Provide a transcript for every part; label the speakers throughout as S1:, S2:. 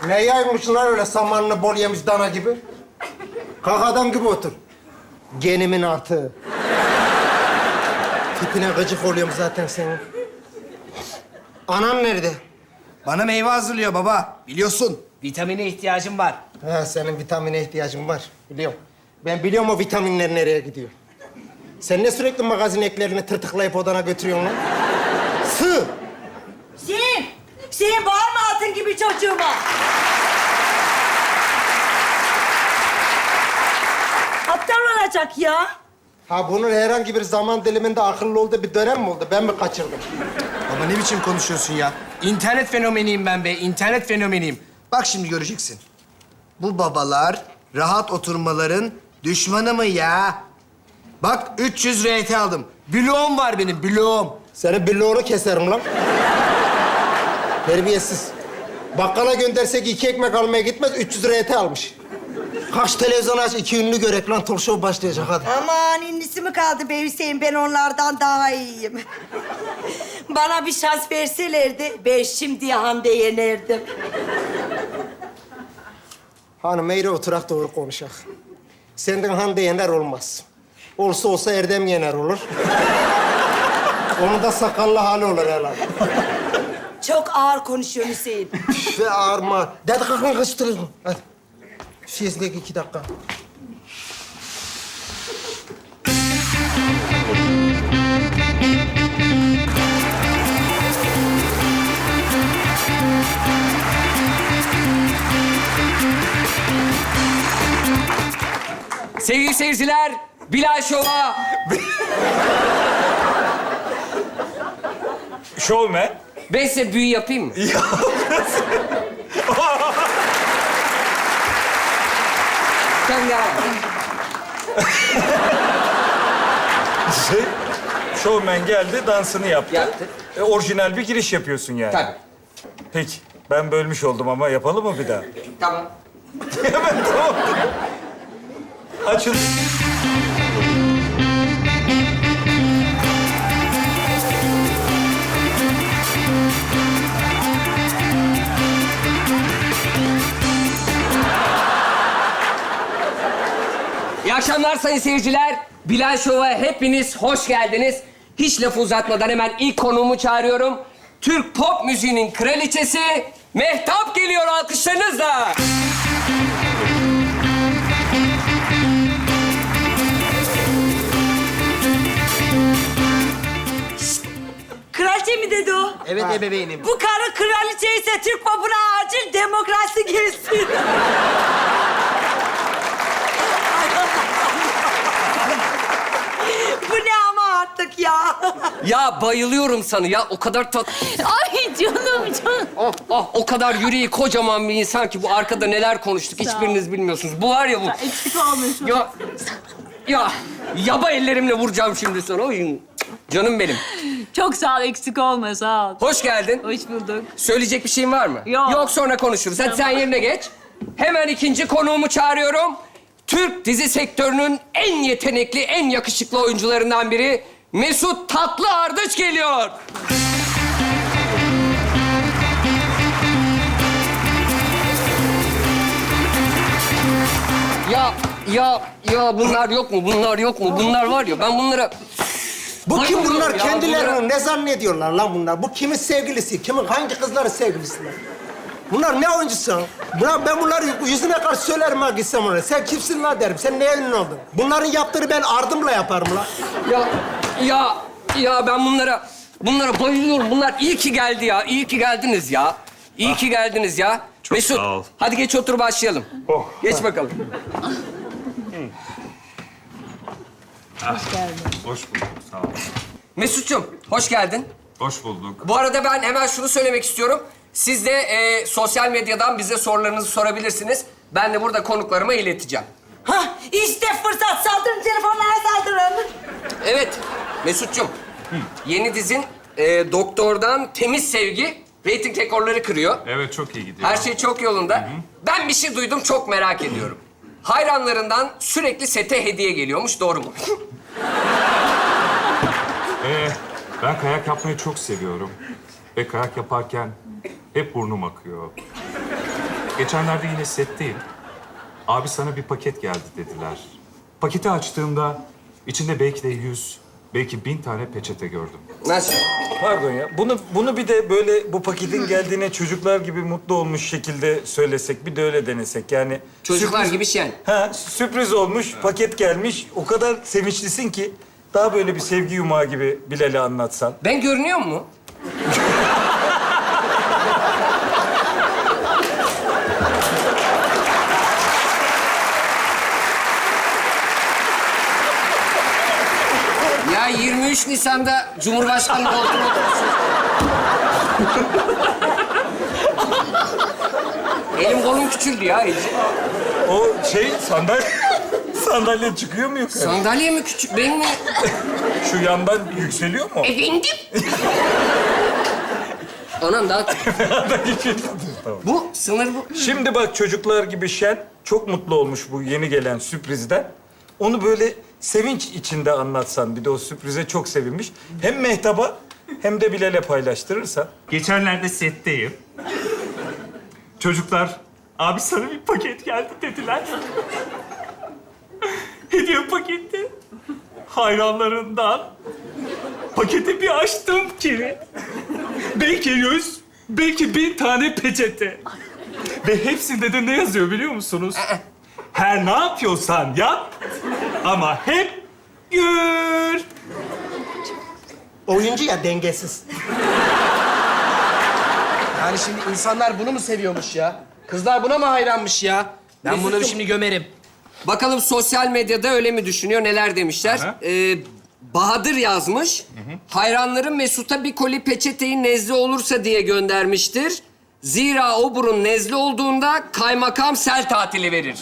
S1: Ne yaymışsın lan öyle samanını bol yemiş dana gibi? Kalk adam gibi otur. Genimin artığı. Tipine gıcık oluyorum zaten senin. Anan nerede?
S2: Bana meyve hazırlıyor baba. Biliyorsun.
S3: Vitamine ihtiyacım var.
S1: Ha, senin vitamine ihtiyacın var. Biliyorum. Ben biliyorum o vitaminler nereye gidiyor. Sen ne sürekli magazin eklerini tırtıklayıp odana götürüyorsun lan? Sığ!
S4: Senin bağırma altın gibi çocuğuma. Aptal olacak ya.
S1: Ha bunun herhangi bir zaman diliminde akıllı olduğu bir dönem mi oldu? Ben mi kaçırdım?
S2: Baba ne biçim konuşuyorsun ya?
S3: İnternet fenomeniyim ben be, internet fenomeniyim.
S2: Bak şimdi göreceksin. Bu babalar rahat oturmaların düşmanı mı ya? Bak 300 RT aldım. Bloğum var benim, bloğum.
S1: Senin bloğunu keserim lan. Terbiyesiz. Bakkala göndersek 2 ekmek almaya gitmez, 300 RT almış. Kaç televizyon aç, 2 ünlü görek lan, talk show başlayacak hadi.
S4: Aman innisi mi kaldı be Hüseyin? Ben onlardan daha iyiyim. Bana bir şans verselerdi, ben şimdi Hande yenerdim.
S1: Hanım eğri oturak doğru konuşak. Senden Hande yener olmaz. Olsa olsa Erdem yener olur. Onun da sakallı hali olur herhalde.
S4: Çok ağır konuşuyor Hüseyin.
S1: Ve ağırma. Dede kalkın kaçtırın. Hadi. Fiyizlik 2 dakika.
S3: Sevgili seyirciler, Bilal Şov'a...
S5: Şovmen.
S3: Ben size büyü yapayım mı? Sen gel.
S5: Şovmen geldi, dansını yaptı.
S3: Yaptı.
S5: Orijinal bir giriş yapıyorsun yani.
S3: Tabii.
S5: Peki, ben bölmüş oldum ama yapalım mı bir daha?
S3: Tamam.
S5: Hemen tamam. Açıl.
S3: İyi akşamlar sayın seyirciler. Bilal Şov'a hepiniz hoş geldiniz. Hiç lafı uzatmadan hemen ilk konuğumu çağırıyorum. Türk pop müziğinin kraliçesi Mehtap geliyor alkışlarınızla.
S4: Kraliçe mi dedi o?
S2: Evet ebeveynim.
S4: Bu karı kraliçe ise Türk popuna acil demokrasi gelsin. Bu ne ama artık ya?
S3: Ya bayılıyorum sana ya. O kadar
S6: Ay canım.
S3: o kadar yüreği kocaman bir insan ki bu arkada neler konuştuk hiçbiriniz bilmiyorsunuz. Bu var ya bu.
S6: Eksik olmuyorsun.
S3: Ya yaba ellerimle vuracağım şimdi sana. Oy. Canım benim.
S6: Çok sağ ol, eksik olma, sağ ol.
S3: Hoş geldin.
S6: Hoş bulduk.
S3: Söyleyecek bir şeyin var mı?
S6: Yok.
S3: Yok sonra konuşuruz. Hadi sen yerine geç. Hemen ikinci konuğumu çağırıyorum. Türk dizi sektörünün en yetenekli, en yakışıklı oyuncularından biri Mesut Tatlı Ardıç geliyor. Ya bunlar yok mu? Bunlar yok mu? Bunlar var ya ben bunlara...
S1: Bu kim
S3: Bayılıyorum
S1: bunlar?
S3: ya,
S1: Kendilerini
S3: bunlara.
S1: ne zannediyorlar lan bunlar? Bu kimin sevgilisi? Kimin, hangi kızların sevgilisi lan? Bunlar ne oyuncusu? Ben bunları yüzüne karşı söylerim ha gitsem oraya. Sen kimsin lan derim. Sen neye ünlü oldun? Bunların yaptığını ben ardımla yaparım lan.
S3: Ya ben bunlara bayılıyorum. Bunlar iyi ki geldi ya. İyi ki geldiniz ya. İyi ki geldiniz ya.
S5: Çok
S3: Mesut,
S5: sağ ol.
S3: hadi geç otur başlayalım.
S5: Oh.
S3: Geç bakalım.
S5: Hoş bulduk, sağ ol.
S3: Mesut'cum, hoş geldin.
S5: Hoş bulduk.
S3: Bu arada ben hemen şunu söylemek istiyorum. Siz de sosyal medyadan bize sorularınızı sorabilirsiniz. Ben de burada konuklarıma ileteceğim.
S4: Hah, işte fırsat. Saldırın, telefonlara saldırın.
S3: Evet, Mesut'cum. Yeni dizin Doktor'dan Temiz Sevgi reyting rekorları kırıyor.
S5: Evet, çok iyi gidiyor.
S3: Her şey çok yolunda. Ben bir şey duydum, çok merak ediyorum. Hayranlarından sürekli sete hediye geliyormuş, doğru mu?
S5: Ben kayak yapmayı çok seviyorum. Ve kayak yaparken hep burnum akıyor.
S7: Geçenlerde yine setteyim. Abi sana bir paket geldi dediler. Paketi açtığımda içinde belki de 100, belki 1000 tane peçete gördüm.
S3: Nasıl?
S5: Pardon ya. Bunu bir de böyle bu paketin geldiğine çocuklar gibi mutlu olmuş şekilde söylesek. Bir de öyle denesek. Yani
S3: Çocuklar
S5: sürpriz-
S3: gibi şen.
S5: Ha, sürpriz olmuş, paket gelmiş. O kadar sevinçlisin ki daha böyle bir sevgi yumağı gibi Bilal'e anlatsan.
S3: Ben görünüyor mu? Ya 23 Nisan'da Cumhurbaşkanı koltuğuna oturmuşsun. Elim kolum küçüldü ya iyice.
S5: O sandalye çıkıyor mu yukarı?
S3: Sandalye mi küçük, ben mi?
S5: Şu yandan yükseliyor mu?
S3: Efendim? Anam daha küçük.
S5: Tamam.
S3: Bu, sınır bu.
S5: Şimdi bak çocuklar gibi şen çok mutlu olmuş bu yeni gelen sürprizden. Onu böyle sevinç içinde anlatsan, bir de o sürprize çok sevinmiş. Hem Mehtap'a hem de Bilal'e paylaştırırsan.
S7: Geçenlerde setteyim. Çocuklar, abi sana bir paket geldi dediler. Hediye paketi. Hayranlarından. Paketi bir açtım ki. Belki 100, belki 1000 tane peçete. Ve hepsinde de ne yazıyor biliyor musunuz? Her ne yapıyorsan yap ama hep gül.
S1: Oyuncu ya, dengesiz.
S2: Yani şimdi insanlar bunu mu seviyormuş ya? Kızlar buna mı hayranmış ya? Ben bunları şimdi gömerim.
S3: Bakalım sosyal medyada öyle mi düşünüyor, neler demişler?
S7: Aha.
S3: Bahadır yazmış. Hayranlarım Mesut'a bir koli peçeteyi nezle olursa diye göndermiştir. Zira o burun nezle olduğunda kaymakam sel tatili verir.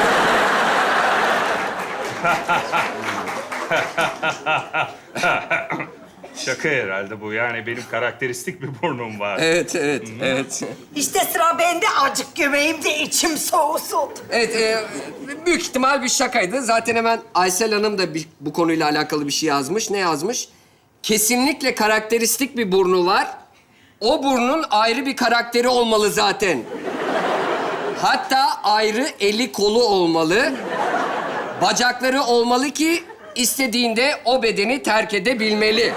S7: Şaka herhalde bu. Yani benim karakteristik bir burnum var.
S3: Evet, evet.
S4: İşte sıra bende, acık gömeyim de içim soğusun.
S3: Evet, büyük ihtimal bir şakaydı. Zaten hemen Aysel Hanım da bu konuyla alakalı bir şey yazmış. Ne yazmış? Kesinlikle karakteristik bir burnu var. O burnun ayrı bir karakteri olmalı zaten. Hatta ayrı eli kolu olmalı. Bacakları olmalı ki istediğinde o bedeni terk edebilmeli.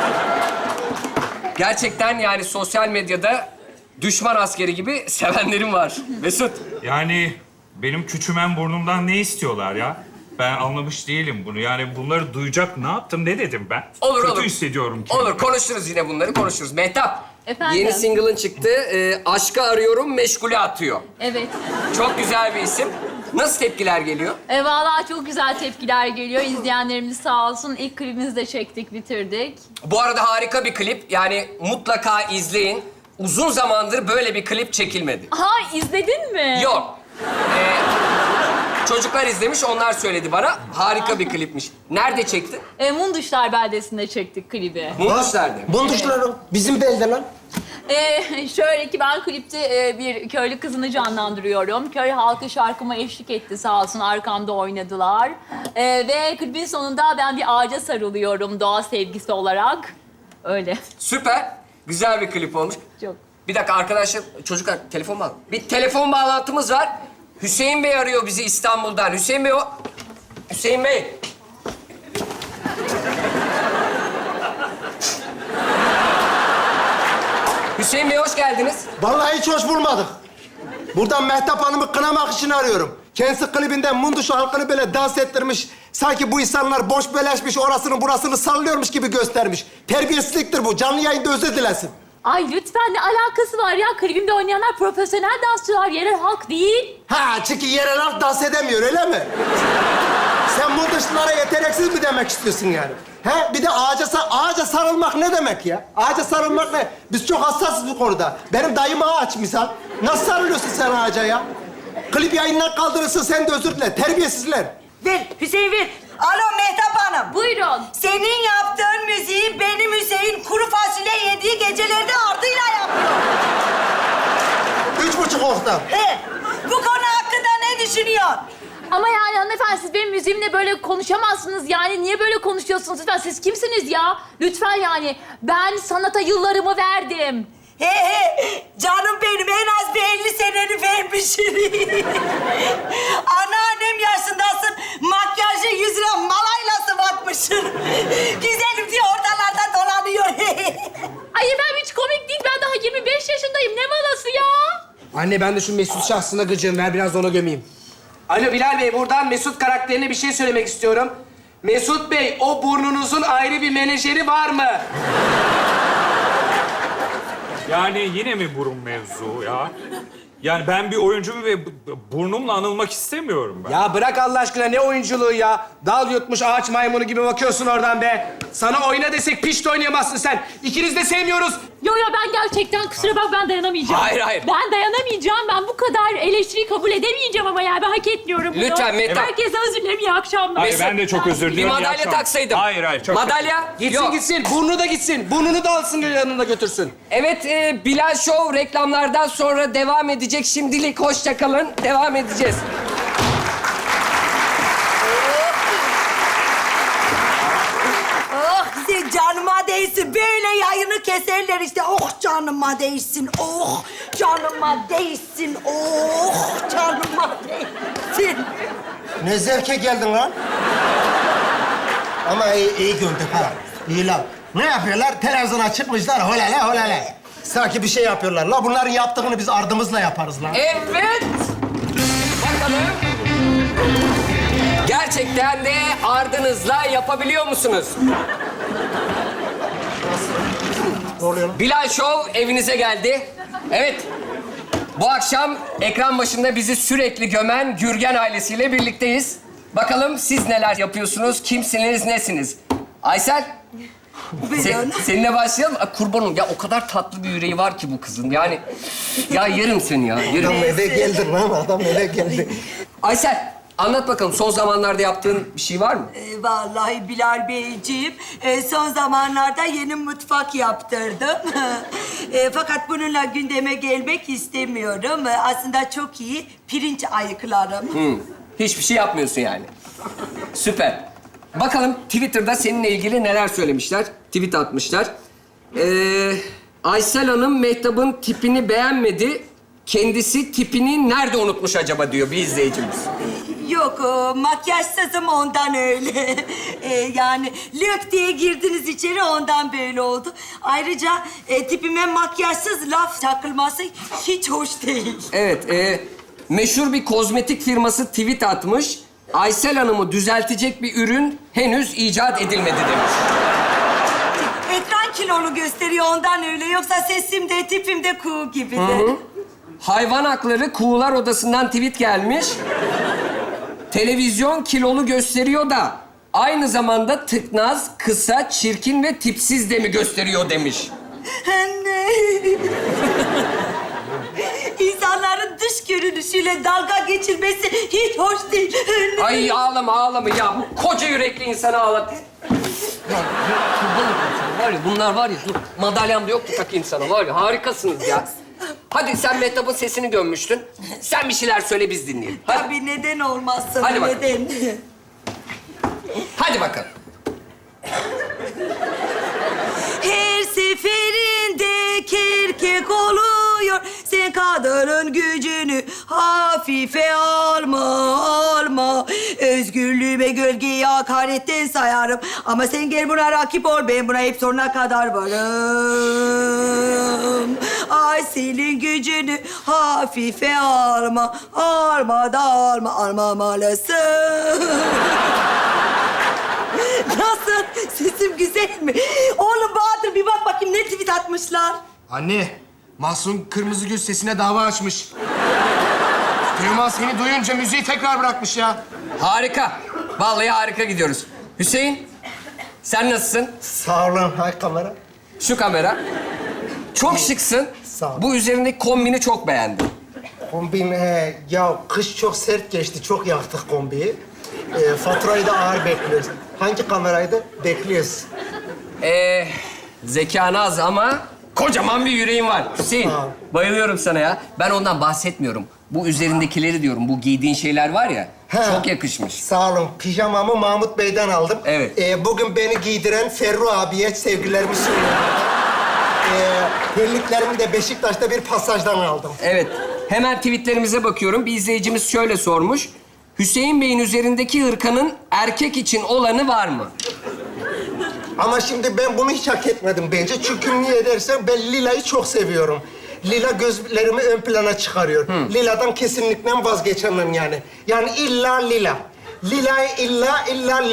S3: Gerçekten yani sosyal medyada düşman askeri gibi sevenlerim var. Mesut.
S7: Yani benim küçümen burnumdan ne istiyorlar ya? Ben anlamış değilim bunu. Yani bunları duyacak ne yaptım, ne dedim ben?
S3: Olur,
S7: Kötü
S3: olur.
S7: hissediyorum kendimi.
S3: Olur, konuşuruz yine bunları, konuşuruz. Mehtap,
S6: Efendim?
S3: yeni single'ın çıktı. Aşkı arıyorum, meşgule atıyor.
S6: Evet.
S3: Çok güzel bir isim. Nasıl tepkiler geliyor?
S6: Vallahi çok güzel tepkiler geliyor. İzleyenlerimiz sağ olsun. İlk klibimizi de çektik, bitirdik.
S3: Bu arada harika bir klip. Yani mutlaka izleyin. Uzun zamandır böyle bir klip çekilmedi.
S6: Ha, izledin mi?
S3: Yok. Çocuklar izlemiş, onlar söyledi bana. Harika bir klipmiş. Nerede çektin?
S6: Munduşlar beldesinde çektik klibi.
S3: Munduşlar'da.
S1: Bunduşlarım bizim belde lan.
S6: Şöyle ki ben klipte bir köylü kızını canlandırıyorum. Köy halkı şarkıma eşlik etti sağ olsun, arkamda oynadılar. Ve klibin sonunda ben bir ağaca sarılıyorum doğa sevgisi olarak. Öyle.
S3: Süper. Güzel bir klip olmuş.
S6: Çok.
S3: Bir dakika arkadaşlar, çocuklar telefon bağlı. Bir telefon bağlantımız var. Hüseyin Bey arıyor bizi İstanbul'dan. Hüseyin Bey o... Hüseyin Bey. Hüseyin Bey hoş geldiniz.
S1: Vallahi hiç hoş bulmadık. Buradan Mehtap Hanım'ı kınamak için arıyorum. Kendisi klibinden Munduşu halkını böyle dans ettirmiş. Sanki bu insanlar boş beleşmiş, orasını burasını sallıyormuş gibi göstermiş. Terbiyesizliktir bu. Canlı yayında özür dilesin.
S6: Ay lütfen, ne alakası var ya? Klibimde oynayanlar profesyonel dansçılar, yerel halk değil.
S1: Ha, çünkü yerel halk dans edemiyor, öyle mi? Sen Munduşlulara yeteneksiz mi demek istiyorsun yani? He? Bir de ağaca sarılmak ne demek ya? Ağaca sarılmak ne? Biz çok hassasız bu konuda. Benim dayım ağaç misal. Nasıl sarılıyorsun sen ağaca ya? Klip yayından kaldırırsın, sen de özür dile. Terbiyesizler.
S4: Ver Hüseyin, ver. Alo Mehtap Hanım.
S6: Buyurun.
S4: Senin yaptığın müziği benim Hüseyin kuru fasulye yediği gecelerde ardıyla yapıyor.
S1: 3,5 oktav.
S4: He, bu konu hakkında ne düşünüyorsun?
S6: Ama yani hanımefendi, siz benim müziğimle böyle konuşamazsınız. Yani niye böyle konuşuyorsunuz lütfen? Siz kimsiniz ya? Lütfen yani. Ben sanata yıllarımı verdim.
S4: He, canım benim, en az bir 50 seneni vermiş. vermişsin. Anneannem yaşındasın. Makyajı yüzüne malayla sıvatmışsın. Güzelim diye ortalarda dolanıyor.
S6: Ay ben hiç komik değil. Ben daha 25 yaşındayım. Ne malası ya?
S8: Anne ben de şu Mesut şahsına gıcığım. Ver biraz da ona gömeyim. Alo Bilal Bey, buradan Mesut karakterine bir şey söylemek istiyorum. Mesut Bey, o burnunuzun ayrı bir menajeri var mı?
S7: Yani yine mi burun mevzu ya? Yani ben bir oyuncuyum ve burnumla anılmak istemiyorum ben.
S8: Ya bırak Allah aşkına, ne oyunculuğu ya? Dal yutmuş ağaç maymunu gibi bakıyorsun oradan be. Sana oyna desek piş de oynayamazsın sen. İkiniz de sevmiyoruz.
S6: Yo ben gerçekten kusura bak ben dayanamayacağım.
S3: Hayır, hayır.
S6: Ben dayanamayacağım. Ben bu kadar eleştiriyi kabul edemeyeceğim ama yani ben hak etmiyorum bunu.
S3: Lütfen Mehtap.
S6: Herkese özür dilerim. İyi akşamlar.
S7: Hayır ben de çok özür
S3: Bir
S7: diliyorum. İyi
S3: madalya
S7: akşamlar.
S3: taksaydım.
S7: Hayır çok.
S3: Madalya?
S8: Gitsin
S3: Yok.
S8: gitsin, burnu da gitsin. Burnunu da alsın yanında götürsün.
S3: Evet, Bilal Show reklamlardan sonra devam edecek. Şimdilik hoşça kalın. Devam edeceğiz.
S4: Oh sen canıma değsin. Böyle yayını keserler işte. Oh canıma değsin. Oh canıma değsin. Oh canıma değsin.
S1: Ne zevke geldin lan? Ama iyi göndük ha. İyi lan. Ne yapıyorlar? Televizyona çıkmışlar holale holale. Sanki bir şey yapıyorlar. La bunların yaptığını biz ardımızla yaparız lan.
S3: Evet. Bakalım. Gerçekten de ardınızla yapabiliyor musunuz?
S1: Ne oluyor lan?
S3: Bilal Show evinize geldi. Evet. Bu akşam ekran başında bizi sürekli gömen Gürgen ailesiyle birlikteyiz. Bakalım siz neler yapıyorsunuz, kimsiniz, nesiniz? Aysel, seninle başlayalım. Kurban olayım. Ya o kadar tatlı bir yüreği var ki bu kızın. Yani ya yerim seni ya, yerim.
S1: Adam eve geldi lan. Adam eve geldi.
S3: Aysel, anlat bakalım. Son zamanlarda yaptığın bir şey var mı?
S4: Vallahi Bilal Beyciğim, son zamanlarda yeni mutfak yaptırdım. Fakat bununla gündeme gelmek istemiyorum. Aslında çok iyi pirinç ayıklarım.
S3: Hiçbir şey yapmıyorsun yani. Süper. Bakalım Twitter'da seninle ilgili neler söylemişler. Tweet atmışlar. Aysel Hanım Mehtap'ın tipini beğenmedi. Kendisi tipini nerede unutmuş acaba diyor bir izleyicimiz.
S4: Yok, makyajsızım ondan öyle. Yani lök diye girdiniz içeri ondan böyle oldu. Ayrıca tipime makyajsız laf takılması hiç hoş değil.
S3: Evet, meşhur bir kozmetik firması tweet atmış. Aysel Hanım'ı düzeltecek bir ürün henüz icat edilmedi demiş.
S4: Ekran kilolu gösteriyor ondan öyle. Yoksa sesim de tipim de kuğu gibi de.
S3: Hayvan Hakları Kuğular Odası'ndan tweet gelmiş. Televizyon kilolu gösteriyor da aynı zamanda tıknaz, kısa, çirkin ve tipsiz de mi gösteriyor demiş.
S4: Anne. İnsanların dış görünüşüyle dalga geçilmesi hiç hoş değil. Anne.
S3: Ay ağlama ya. Bu koca yürekli insanı ağlat. Var ya bunlar var ya. Dur madalyam da yoktu takayım sana. Var ya harikasınız ya. Hadi sen Mehtap'ın sesini gömmüştün. Sen bir şeyler söyle biz dinleyelim. Hadi,
S4: Tabii neden olmazsın,
S3: Hadi bakalım.
S4: neden?
S3: hadi bakalım.
S4: Her seferinde kerkek oluyor. Sen kadının gücünü hafife alma. Özgürlüğüme gölgeyi hakaretten sayarım. Ama sen gel buna rakip ol. Ben buna hep sonuna kadar varım. Ay senin gücünü hafife alma. Almamalısın. Nasıl? Sesim güzel mi? Oğlum Bahadır bir bak bakayım ne tweet atmışlar.
S8: Anne, Mahsun Kırmızıgül sesine dava açmış. Teoman seni duyunca müziği tekrar bırakmış ya.
S3: Harika. Vallahi harika gidiyoruz. Hüseyin, sen nasılsın?
S1: Sağ olun. Hay kamera.
S3: Şu kamera. Çok şıksın.
S1: Sağ ol.
S3: Bu üzerindeki kombini çok beğendim.
S1: Kombin, ya kış çok sert geçti. Çok yaktık kombiyi. Faturayı da ağır bekliyoruz. Hangi kameraydı? Bekliyoruz.
S3: Zekan az ama kocaman bir yüreğin var. Hüseyin,
S1: Sağ ol.
S3: bayılıyorum sana ya. Ben ondan bahsetmiyorum. Bu üzerindekileri diyorum. Bu giydiğin şeyler var ya,
S1: Ha.
S3: çok yakışmış.
S1: Sağ olun. Pijamamı Mahmut Bey'den aldım.
S3: Evet.
S1: Bugün beni giydiren Ferru abiye sevgilerimi sunuyorum. Terliklerimi de Beşiktaş'ta bir pasajdan aldım.
S3: Evet. Hemen tweetlerimize bakıyorum. Bir izleyicimiz şöyle sormuş. Hüseyin Bey'in üzerindeki hırkanın erkek için olanı var mı?
S1: Ama şimdi ben bunu hiç hak etmedim bence. Çünkü niye dersen ben Lila'yı çok seviyorum. Lila gözlerimi ön plana çıkarıyor. Lila'dan kesinlikle vazgeçemem yani. Yani illa Lila. Lila illa Lila.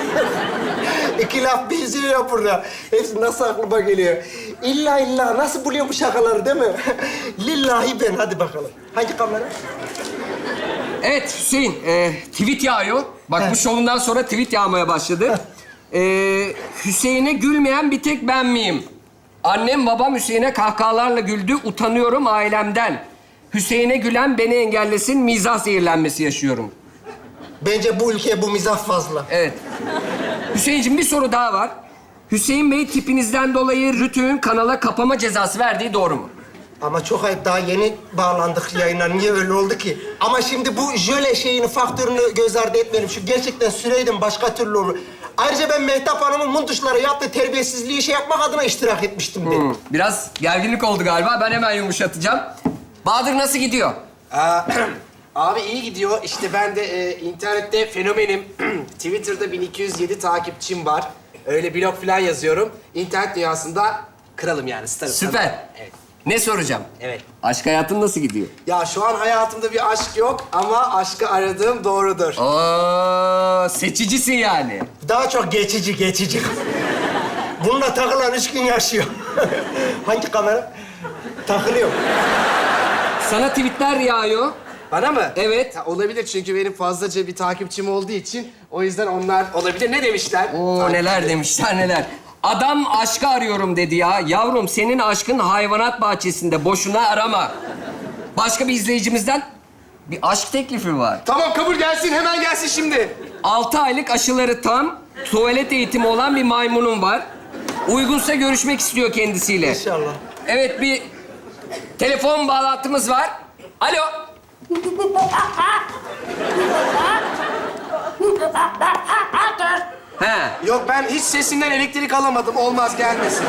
S1: İki laf benziyor burada. Hepsi nasıl aklıma geliyor. İlla nasıl buluyor bu şakaları değil mi? Lillahi ben. Hadi bakalım. Hangi kamera?
S3: Evet Hüseyin, tweet yağıyor. Bak bu şovundan sonra tweet yağmaya başladı. Hüseyin'e gülmeyen bir tek ben miyim? Annem babam Hüseyin'e kahkahalarla güldü, utanıyorum ailemden. Hüseyin'e gülen beni engellesin, mizah zehirlenmesi yaşıyorum.
S1: Bence bu ülkeye bu mizah fazla.
S3: Evet. Hüseyin'cim bir soru daha var. Hüseyin Bey tipinizden dolayı Rütük'ün kanala kapama cezası verdiği doğru mu?
S1: Ama çok ayıp, daha yeni bağlandık yayına. Niye öyle oldu ki? Ama şimdi bu jöle şeyini, faktörünü göz ardı etmeyelim. Şu gerçekten süreydim başka türlü olur. Ayrıca ben Mehtap Hanım'ın munduşlara yaptığı terbiyesizliği şey yapmak adına iştirak etmiştim dedim.
S3: Biraz gerginlik oldu galiba. Ben hemen yumuşatacağım. Bahadır nasıl gidiyor?
S8: Abi iyi gidiyor. İşte ben de internette fenomenim. Twitter'da 1207 takipçim var. Öyle blog falan yazıyorum. İnternet dünyasında kralım yani, starım.
S3: Süper.
S8: Evet.
S3: Ne soracağım?
S8: Evet.
S3: Aşk hayatın nasıl gidiyor?
S8: Ya şu an hayatımda bir aşk yok ama aşkı aradığım doğrudur.
S3: Oo, seçicisin yani.
S1: Daha çok geçici. Bununla takılan 3 gün yaşıyor. Hangi kamera? Takılıyor.
S3: Sana tweetler yağıyor.
S8: Bana mı?
S3: Evet.
S8: Ya, olabilir çünkü benim fazlaca bir takipçim olduğu için o yüzden onlar olabilir. Ne demişler?
S3: Oo, neler demişler neler. Adam aşkı arıyorum dedi ya. Yavrum senin aşkın hayvanat bahçesinde. Boşuna arama. Başka bir izleyicimizden bir aşk teklifi var.
S8: Tamam, kabul gelsin, hemen gelsin şimdi.
S3: 6 aylık aşıları tam, tuvalet eğitimi olan bir maymunum var. Uygunsa görüşmek istiyor kendisiyle.
S1: İnşallah.
S3: Evet, bir telefon bağlantımız var. Alo. He.
S8: Yok, ben hiç sesinden elektrik alamadım. Olmaz, gelmesin.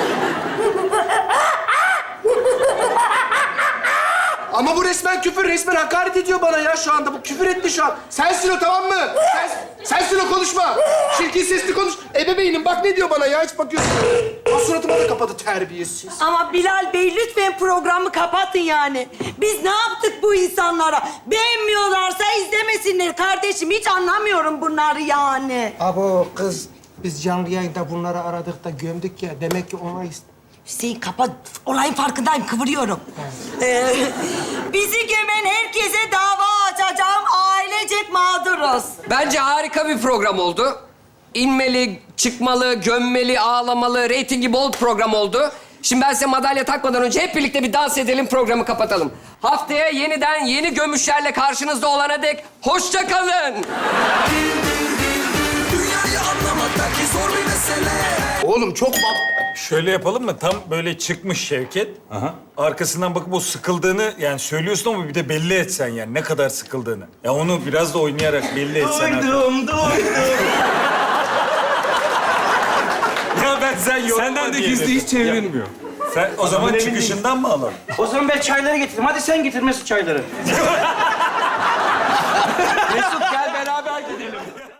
S8: Ama bu resmen küfür, resmen hakaret ediyor bana ya şu anda. Bu küfür etti şu an. Sensin o, tamam mı? Sensin o, konuşma. Çirkin sesli konuş. Ebeveynim, bak ne diyor bana ya, hiç bakıyorsun. Ha, suratıma da kapadı, terbiyesiz.
S4: Ama Bilal Bey lütfen programı kapatın yani. Biz ne yaptık bu insanlara? Beğenmiyorlarsa izlemesinler kardeşim. Hiç anlamıyorum bunları yani.
S1: Abo kız, biz canlı yayında bunları aradık da gömdük ya. Demek ki ona
S4: Hüseyin kapat. Olayın farkındayım, kıvırıyorum. Bizi gömen herkese dava açacağım. Ailecek mağduruz.
S3: Bence harika bir program oldu. İnmeli, çıkmalı, gömmeli, ağlamalı, reytingi bol program oldu. Şimdi ben size madalya takmadan önce hep birlikte bir dans edelim, programı kapatalım. Haftaya yeniden yeni gömüşlerle karşınızda olana dek hoşça kalın.
S9: Dünyayı anlamak belki zor bir mesele.
S8: Oğlum çok...
S5: Şöyle yapalım mı? Tam böyle çıkmış Şevket. Arkasından bakıp o sıkıldığını yani söylüyorsun ama bir de belli etsen yani ne kadar sıkıldığını. Ya onu biraz da oynayarak belli etsen.
S7: Duydum.
S5: Ya ben sen yorulma
S7: Senden de
S5: diye
S7: gizli
S5: dedim.
S7: hiç çevrilmiyor.
S5: Sen o zaman çıkışından mı alalım?
S10: O zaman ben çayları getireyim. Hadi sen getir Mesut çayları.